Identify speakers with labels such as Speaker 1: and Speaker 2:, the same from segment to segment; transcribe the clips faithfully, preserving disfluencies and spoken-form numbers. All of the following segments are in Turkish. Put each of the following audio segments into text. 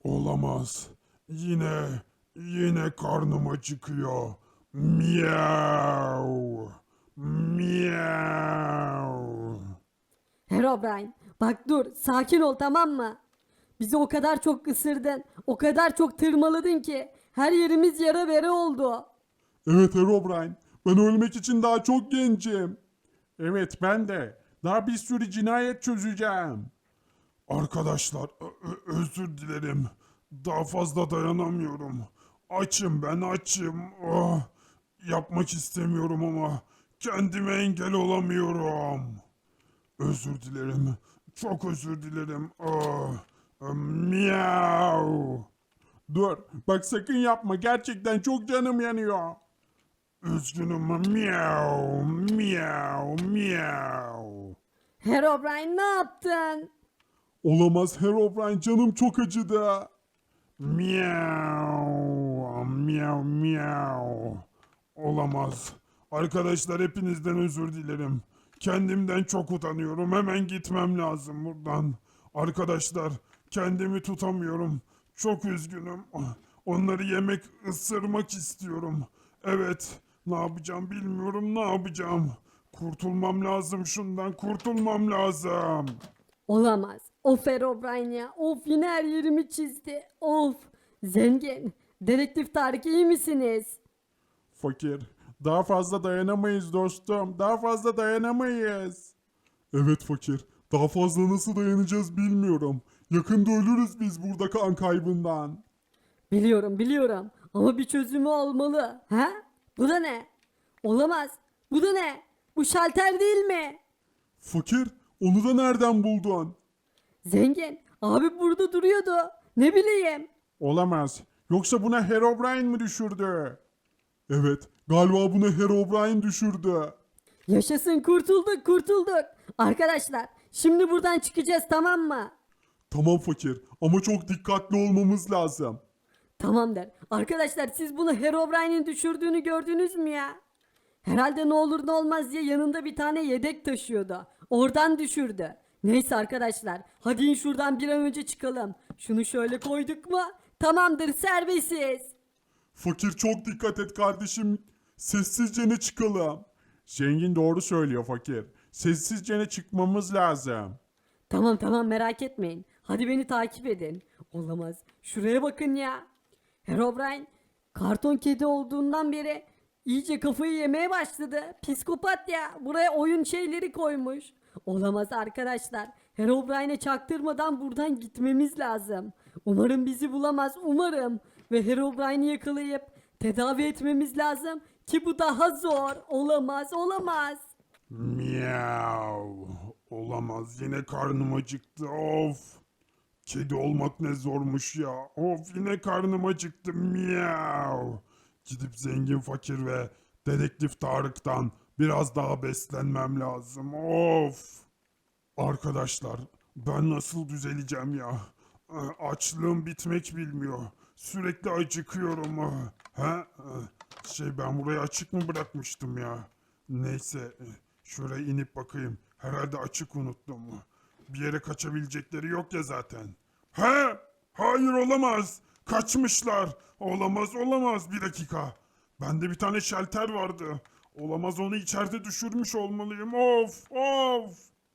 Speaker 1: Olamaz. Yine, yine karnım acıkıyor. Miau. Miau.
Speaker 2: Herobrine, bak dur, sakin ol, tamam mı? Bizi o kadar çok ısırdın, o kadar çok tırmaladın ki her yerimiz yara bere oldu.
Speaker 1: Evet Herobrine. Ben ölmek için daha çok gencim. Evet ben de. Daha bir sürü cinayet çözeceğim. Arkadaşlar ö- ö- özür dilerim. Daha fazla dayanamıyorum. Açım ben açım. Oh, yapmak istemiyorum ama kendime engel olamıyorum. Özür dilerim. Çok özür dilerim. Oh, miau. Dur bak sakın yapma. Gerçekten çok canım yanıyor. Üzgünüm. Miau, miau, miau.
Speaker 2: Herobrine, ne yaptın?
Speaker 1: Olamaz Herobrine canım çok acıdı. Miau, miau, miau. Olamaz. Arkadaşlar hepinizden özür dilerim. Kendimden çok utanıyorum. Hemen gitmem lazım buradan. Arkadaşlar kendimi tutamıyorum. Çok üzgünüm. Onları yemek, ısırmak istiyorum. Evet, ne yapacağım bilmiyorum, ne yapacağım. Kurtulmam lazım şundan, kurtulmam lazım.
Speaker 2: Olamaz. Of Herobrine ya. Of, yine her yerimi çizdi. Of. Zengin. Dedektif Tarık, iyi misiniz?
Speaker 1: Fakir, daha fazla dayanamayız dostum. Daha fazla dayanamayız. Evet fakir, daha fazla nasıl dayanacağız bilmiyorum. Yakında ölürüz biz burada kan kaybından.
Speaker 2: Biliyorum biliyorum. Ama bir çözümü olmalı. Ha? Bu da ne? Olamaz. Bu da ne? Bu şalter değil mi?
Speaker 1: Fakir, onu da nereden buldun?
Speaker 2: Zengin. Abi burada duruyordu. Ne bileyim.
Speaker 1: Olamaz. Yoksa buna Herobrine mi düşürdü? Evet, galiba bunu Herobrine düşürdü.
Speaker 2: Yaşasın, kurtulduk kurtulduk. Arkadaşlar şimdi buradan çıkacağız, tamam mı?
Speaker 1: Tamam fakir ama çok dikkatli olmamız lazım.
Speaker 2: Tamamdır. Arkadaşlar siz bunu Herobrine'in düşürdüğünü gördünüz mü ya? Herhalde ne olur ne olmaz diye yanında bir tane yedek taşıyordu. Oradan düşürdü. Neyse arkadaşlar, hadi in şuradan bir an önce çıkalım. Şunu şöyle koyduk mu? Tamamdır, serbestiz.
Speaker 1: Fakir çok dikkat et kardeşim. Sessizce ne çıkalım. Zengin doğru söylüyor fakir. Sessizce ne çıkmamız lazım.
Speaker 2: Tamam tamam, merak etmeyin. Hadi beni takip edin. Olamaz. Şuraya bakın ya. Herobrine karton kedi olduğundan beri iyice kafayı yemeye başladı. Psikopat ya. Buraya oyun şeyleri koymuş. Olamaz arkadaşlar. Herobrine'e çaktırmadan buradan gitmemiz lazım. Umarım bizi bulamaz. Umarım. Ve Herobrine'i yakalayıp tedavi etmemiz lazım. Ki bu daha zor. Olamaz, olamaz.
Speaker 1: Miau. Olamaz yine karnım acıktı of. Kedi olmak ne zormuş ya. Of yine karnım acıktı miau. Gidip zengin fakir ve dedektif Tarık'tan biraz daha beslenmem lazım of. Arkadaşlar ben nasıl düzeleceğim ya? Ee, Açlığım bitmek bilmiyor. Sürekli acıkıyorum. Ha? Şey ben burayı açık mı bırakmıştım ya? Neyse e, şuraya inip bakayım. Herhalde açık unuttum. Bir yere kaçabilecekleri yok ya zaten. Ha? Hayır olamaz. Kaçmışlar. Olamaz olamaz. Bir dakika. Bende bir tane şalter vardı. Olamaz onu içeride düşürmüş olmalıyım. Of of.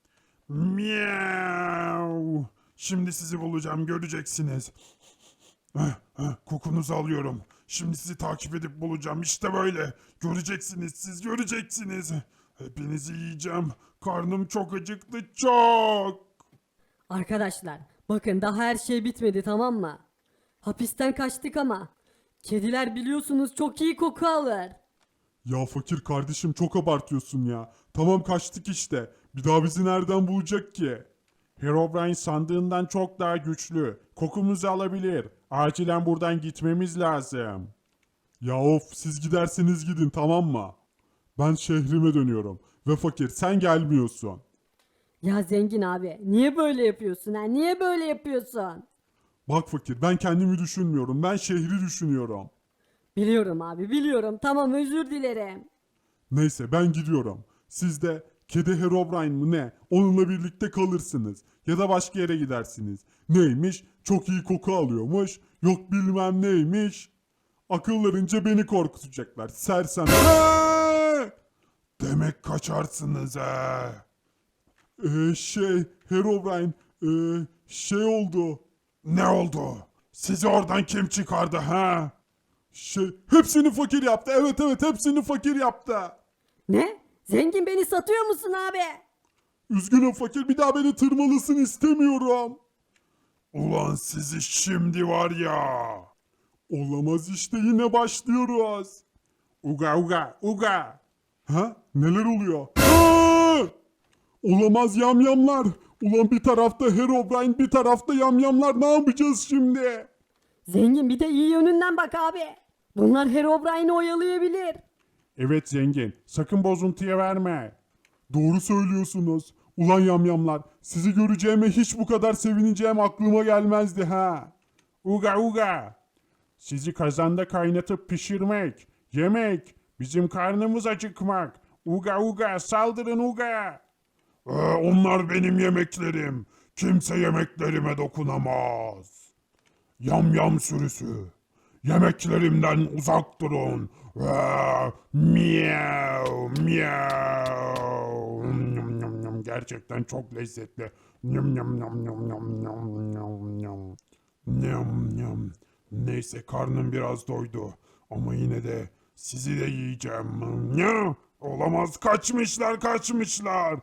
Speaker 1: Miau. Şimdi sizi bulacağım göreceksiniz. Heh, heh, kokunuzu alıyorum. Şimdi sizi takip edip bulacağım. İşte böyle. Göreceksiniz siz göreceksiniz. Hepinizi yiyeceğim. Karnım çok acıktı çok.
Speaker 2: Arkadaşlar bakın, daha her şey bitmedi, tamam mı? Hapisten kaçtık ama kediler biliyorsunuz çok iyi koku alır.
Speaker 1: Ya fakir kardeşim çok abartıyorsun ya. Tamam kaçtık işte. Bir daha bizi nereden bulacak ki? Herobrine sandığından çok daha güçlü. Kokumuzu alabilir. Acilen buradan gitmemiz lazım. Ya of siz giderseniz gidin tamam mı? Ben şehrime dönüyorum. Ve fakir sen gelmiyorsun.
Speaker 2: Ya zengin abi, niye böyle yapıyorsun ha? Niye böyle yapıyorsun?
Speaker 1: Bak fakir ben kendimi düşünmüyorum. Ben şehri düşünüyorum.
Speaker 2: Biliyorum abi, biliyorum. Tamam, özür dilerim.
Speaker 1: Neyse ben gidiyorum. Siz de Kedi Herobrine mı ne? Onunla birlikte kalırsınız. Ya da başka yere gidersiniz. Neymiş? Çok iyi koku alıyormuş. Yok bilmem neymiş. Akıllarınca beni korkutacaklar. Sersem. Eee! Demek kaçarsınız he. Ee, şey Herobrine ee, şey oldu. Ne oldu? Sizi oradan kim çıkardı ha? Şey hepsini fakir yaptı. Evet evet hepsini fakir yaptı.
Speaker 2: Ne? Zengin beni satıyor musun abi?
Speaker 1: Üzgünüm fakir bir daha beni tırmalısın istemiyorum. Ulan sizi şimdi var ya. Olamaz işte yine başlıyoruz. Uga uga uga. Ha? Neler oluyor? Aa! Olamaz yamyamlar. Ulan bir tarafta Herobrine bir tarafta yamyamlar ne yapacağız şimdi?
Speaker 2: Zengin bir de iyi yönünden bak abi. Bunlar Herobrine'i oyalayabilir.
Speaker 1: Evet zengin sakın bozuntuya verme. Doğru söylüyorsunuz. Ulan yamyamlar sizi göreceğime hiç bu kadar sevineceğim aklıma gelmezdi ha. Uga uga. Sizi kazanda kaynatıp pişirmek, yemek, bizim karnımız acıkmak. Uga uga saldırın uga. Ee, onlar benim yemeklerim. Kimse yemeklerime dokunamaz. Yam yam sürüsü. Yemeklerimden uzak durun. Ee, miyav miyav. Nyam, nyam, nyam. Gerçekten çok lezzetli. Nyam, nyam, nyam, nyam, nyam, nyam, nyam, nyam. Nyam, nyam. Neyse karnım biraz doydu. Ama yine de sizi de yiyeceğim. Ya, olamaz kaçmışlar kaçmışlar.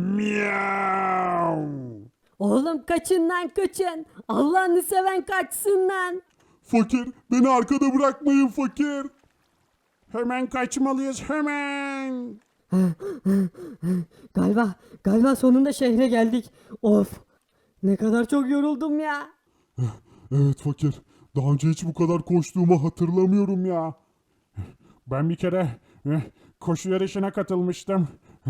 Speaker 1: Miyav.
Speaker 2: Oğlum kaçın lan kaçın. Allah'ını seven kaçsın lan.
Speaker 1: Fakir beni arkada bırakmayın fakir. Hemen kaçmalıyız hemen.
Speaker 2: Galiba, galiba sonunda şehre geldik. Of. Ne kadar çok yoruldum ya.
Speaker 1: Evet fakir. Daha önce hiç bu kadar koştuğumu hatırlamıyorum ya. Ben bir kere eh, koşu yarışına katılmıştım.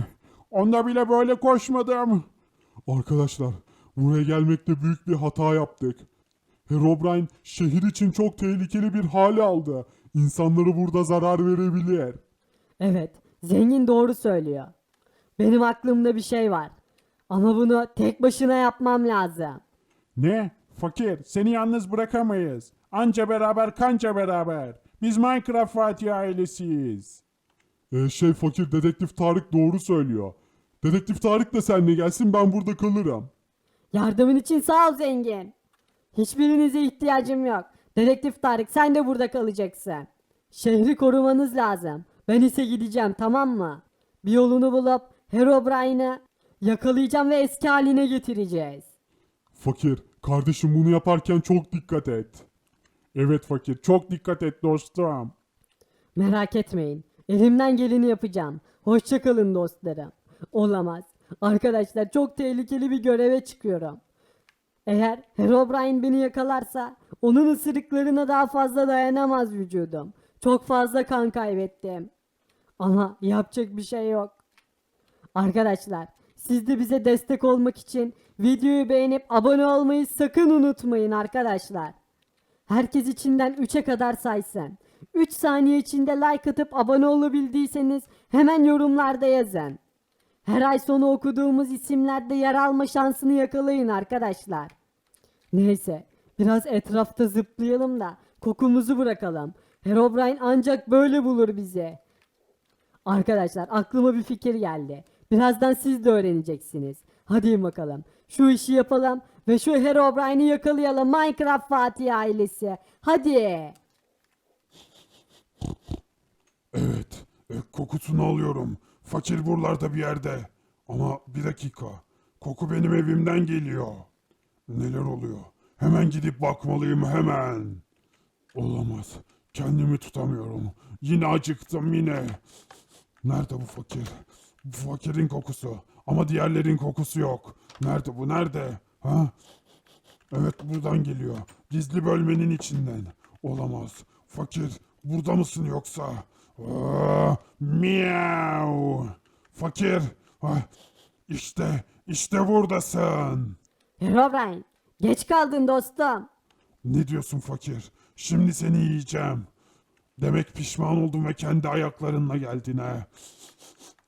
Speaker 1: Onda bile böyle koşmadım. Arkadaşlar buraya gelmekte büyük bir hata yaptık. Herobrine şehir için çok tehlikeli bir hale aldı. İnsanları burada zarar verebilir.
Speaker 2: Evet, zengin doğru söylüyor. Benim aklımda bir şey var. Ama bunu tek başına yapmam lazım.
Speaker 1: Ne? Fakir, seni yalnız bırakamayız. Anca beraber kanca beraber. Biz Minecraft Fatih ailesiyiz. Ee, şey fakir dedektif Tarık doğru söylüyor. Dedektif Tarık da seninle gelsin ben burada kalırım.
Speaker 2: Yardımın için sağ ol zengin. Hiçbirinize ihtiyacım yok. Dedektif Tarık sen de burada kalacaksın. Şehri korumanız lazım. Ben ise gideceğim tamam mı? Bir yolunu bulup Herobrine'ı yakalayacağım ve eski haline getireceğiz.
Speaker 1: Fakir, kardeşim bunu yaparken çok dikkat et. Evet fakir, çok dikkat et dostum.
Speaker 2: Merak etmeyin. Elimden geleni yapacağım. Hoşça kalın dostlarım. Olamaz. Arkadaşlar çok tehlikeli bir göreve çıkıyorum. Eğer Herobrine beni yakalarsa onun ısırıklarına daha fazla dayanamaz vücudum. Çok fazla kan kaybettim. Ama yapacak bir şey yok. Arkadaşlar siz de bize destek olmak için videoyu beğenip abone olmayı sakın unutmayın arkadaşlar. Herkes içinden üçe kadar saysın. üç saniye içinde like atıp abone olabildiyseniz hemen yorumlarda yazın. Her ay sonu okuduğumuz isimlerde yer alma şansını yakalayın arkadaşlar. Neyse biraz etrafta zıplayalım da kokumuzu bırakalım. Herobrine ancak böyle bulur bizi. Arkadaşlar aklıma bir fikir geldi. Birazdan siz de öğreneceksiniz. Hadi bakalım. Şu işi yapalım ve şu Herobrine'i yakalayalım Minecraft Fatih ailesi. Hadi.
Speaker 1: Evet, e, kokusunu alıyorum. Fakir buralarda bir yerde. Ama bir dakika, koku benim evimden geliyor. Neler oluyor? Hemen gidip bakmalıyım hemen. Olamaz, kendimi tutamıyorum. Yine acıktım yine. Nerede bu fakir? Bu fakirin kokusu. Ama diğerlerin kokusu yok. Nerede bu, nerede? Ha? Evet, buradan geliyor. Gizli bölmenin içinden. Olamaz. Fakir, burada mısın yoksa? Aa, miau. Fakir. Ah, işte, işte buradasın.
Speaker 2: Herobrine geç kaldın dostum.
Speaker 1: Ne diyorsun fakir? Şimdi seni yiyeceğim. Demek pişman oldun ve kendi ayaklarınla geldin ha.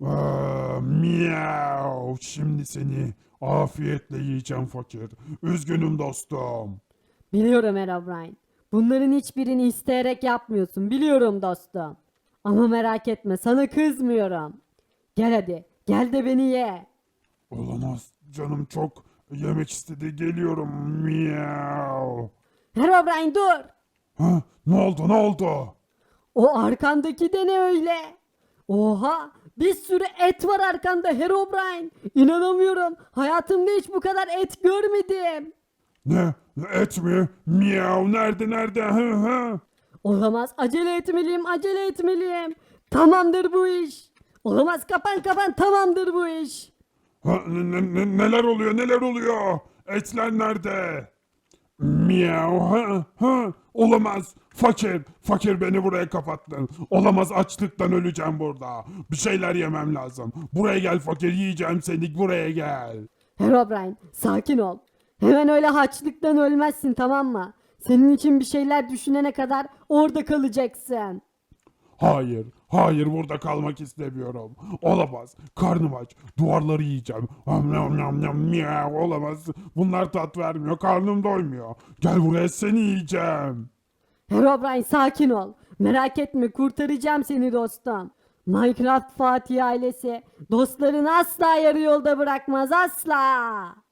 Speaker 1: Aa, miyav. Şimdi seni afiyetle yiyeceğim fakir. Üzgünüm dostum.
Speaker 2: Biliyorum Herobrine. Bunların hiçbirini isteyerek yapmıyorsun. Biliyorum dostum. Ama merak etme sana kızmıyorum. Gel hadi. Gel de beni ye.
Speaker 1: Olamaz. Canım çok yemek istedi. Geliyorum. Miyav.
Speaker 2: Herobrine dur.
Speaker 1: Ha, ne oldu ne oldu?
Speaker 2: O arkandaki de ne öyle? Oha! Bir sürü et var arkanda Herobrine. İnanamıyorum. Hayatımda hiç bu kadar et görmedim.
Speaker 1: Ne? Et mi? Miyav. Nerede nerede? Hı hı.
Speaker 2: Olamaz. Acele etmeliyim. Acele etmeliyim. Tamamdır bu iş. Olamaz. Kapan kapan. Tamamdır bu iş.
Speaker 1: Ha, ne- ne- ne- neler oluyor neler oluyor? Etler nerede? Miyav ha ha olamaz. Fakir fakir beni buraya kapattın. Olamaz açlıktan öleceğim burada. Bir şeyler yemem lazım. Buraya gel fakir yiyeceğim seni buraya gel.
Speaker 2: Herobrine sakin ol. Hemen öyle haçlıktan ölmezsin tamam mı? Senin için bir şeyler düşünene kadar orada kalacaksın.
Speaker 1: Hayır hayır burada kalmak istemiyorum. Olamaz karnım aç duvarları yiyeceğim. Am, nam, nam, nam, miyav, olamaz. Bunlar tat vermiyor karnım doymuyor. Gel buraya seni yiyeceğim.
Speaker 2: Herobrine sakin ol. Merak etme kurtaracağım seni dostum. Minecraft Fatih ailesi dostlarını asla yarı yolda bırakmaz asla.